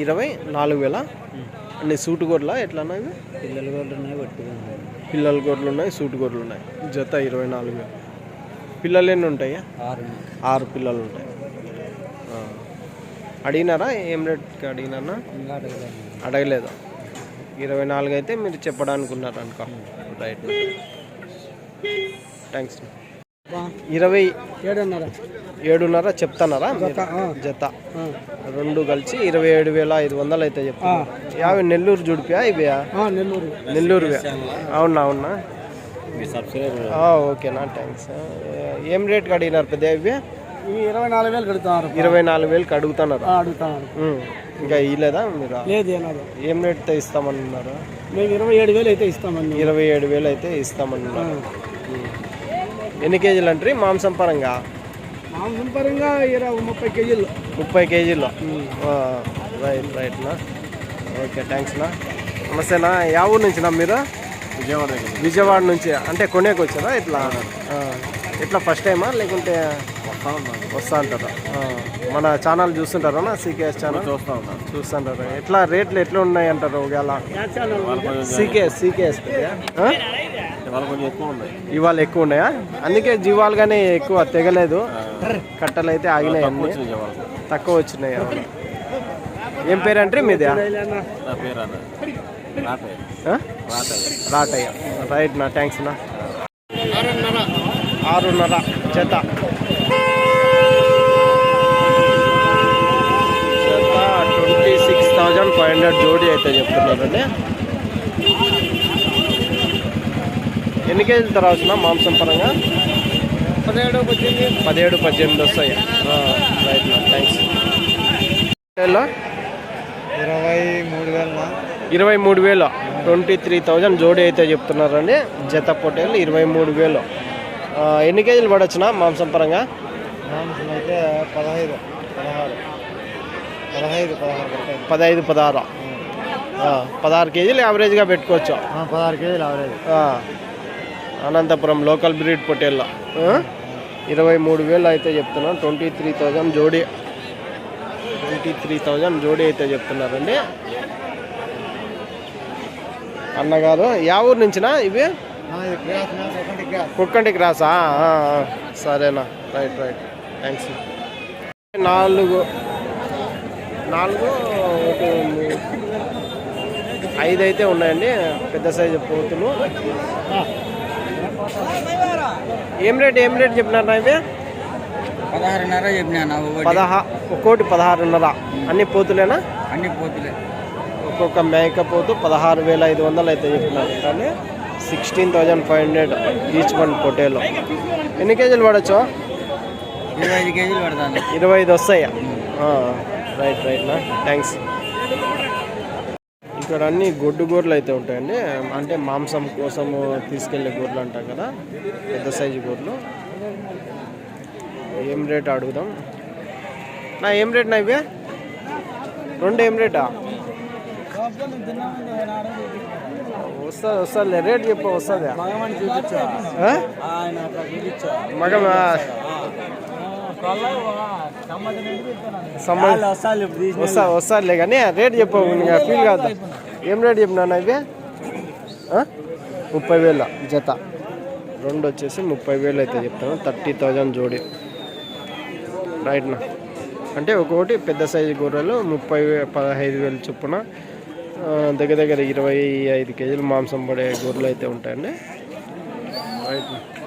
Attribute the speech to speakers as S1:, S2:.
S1: 24,000 అన్ని సూటు గొర్రెలా ఎట్లా ఇవి?
S2: పిల్లల గొడ్లు ఉన్నాయి, వట్టిగా
S1: పిల్లల గొర్రెలు ఉన్నాయి, సూటు గొర్రెలు ఉన్నాయి. జత 24,000. పిల్లలు ఎన్ని ఉంటాయా? 6 పిల్లలు ఉంటాయి. అడిగినారా? ఏం రేట్కి అడిగినారా? అడగలేదు. 24 అయితే మీరు చెప్పడానికి ఉన్నారు అనుకో. Right, thanks. 27,500 చెప్తున్నారా? జత రెండు కలిసి 27,500 అయితే చెప్తాను. యాభై నెల్లూరు జుడిపియా ఇవియా? నెల్లూరు. అవునా? ఓకేనా, థ్యాంక్స్. ఏం రేట్కి అడిగినారు పెద్ద ఇవి? 24,000 అడుగుతున్నారు. ఇంకా ఇవ్వలేదా మీరు? ఏం రేట్తో ఇస్తామన్నారు?
S2: 27,000 అయితే ఇస్తామని.
S1: 27,000 అయితే ఇస్తామన్నారు. ఎన్ని కేజీలు అంటారు మాంసం పరంగా?
S2: 30 కేజీలు.
S1: 30 కేజీలు. రైట్నా, ఓకే, థ్యాంక్స్నా. నమస్తేనా. యా ఊరు నుంచినా మీరు? విజయవాడ నుంచి. అంటే కొనేకి వచ్చారా? ఎట్లా ఫస్ట్ టైమా లేకుంటే వస్తా అంటారా? మన ఛానల్ చూస్తుంటారా? సీకేఎస్ ఛానల్ చూస్తుంటారు. ఎట్లా రేట్లు ఎట్లా ఉన్నాయి అంటారు? ఒకవేళ సీకేఎస్ ఇవాళ ఎక్కువ ఉన్నాయా? అందుకే జీవాలుగానే ఎక్కువ తెగలేదు. కట్టలు అయితే ఆగినాయి, అన్నీ తక్కువ వచ్చినాయి. ఏం పేరు అంటే మీది? రాటయ్య. రైట్ నా, థ్యాంక్స్ నా. 6,500 జత. 26,500 జోడీ అయితే చెప్తున్నారండి. ఎన్ని కేజీలు తర్వాత మాంసం పరంగా? 17-18 వస్తాయి. రైట్ నా, థ్యాంక్స్. 23,000 23,000 జోడీ అయితే చెప్తున్నారండి. జత పొట్టేళ్ళు 23,000. ఎన్ని కేజీలు పడవచ్చునా మాంసం పరంగా?
S2: మాంసం అయితే
S1: 15-16. 16 కేజీలు యావరేజ్గా పెట్టుకోవచ్చు.
S2: 16 కేజీలు యావరేజ్.
S1: అనంతపురం లోకల్ బ్రీడ్ పొట్టేళ్ళ 23,000 అయితే చెప్తున్నాను. 23,000 జోడీ. 23,000 జోడీ అయితే చెప్తున్నారండి. అన్నగారు యా ఊరు నుంచినా ఇవి? కుక్కంటి క్రాసా? సరేనా, రైట్, థ్యాంక్స్. 4 5 అయితే ఉన్నాయండి పెద్ద సైజు పోతులు. ఏం రేట్ చెప్పినారు ఇవి?
S2: 16,500 చెప్పినా.
S1: ఒక్కోటి 16,500. అన్ని పోతులేనా?
S2: అన్ని పోతులే.
S1: ఒక్కొక్క మేకపోతు 16,500 అయితే చెప్పినారు. కానీ 16,500 ఈచ్ వన్ పొటేలో. ఎన్ని కేజీలు పడవచ్చు?
S2: 25 కేజీలు పడతాను.
S1: 25 వస్తాయా? రైట్నా, థ్యాంక్స్. ఇక్కడ అన్ని గొడ్డు గొర్రెలు అయితే ఉంటాయండి. అంటే మాంసం కోసము తీసుకెళ్లే గొర్రెలు అంటాం కదా, పెద్ద సైజు గొర్రెలు. ఏం రేట్ అడుగుదాం నా? ఏం రేట్ నా ఇవి? 2 ఏం రేటా? వస్తుంది రేట్ చెప్ప. వస్తుంది మగమా? వస్తారులే కానీ రేట్ చెప్పవు. ఇంకా ఫీల్ కాదు. ఏం రేట్ చెప్పినా ఇవి? 30,000 జత. 2 వచ్చేసి 30,000 అయితే చెప్తాను. 30,000 జోడీ. రైట్నా, అంటే ఒక్కొక్కటి పెద్ద సైజు గొర్రెలు 15,000 చొప్పున దగ్గర 25 కేజీలు మాంసం పడే గొర్రెలు అయితే ఉంటాయండి. రైట్.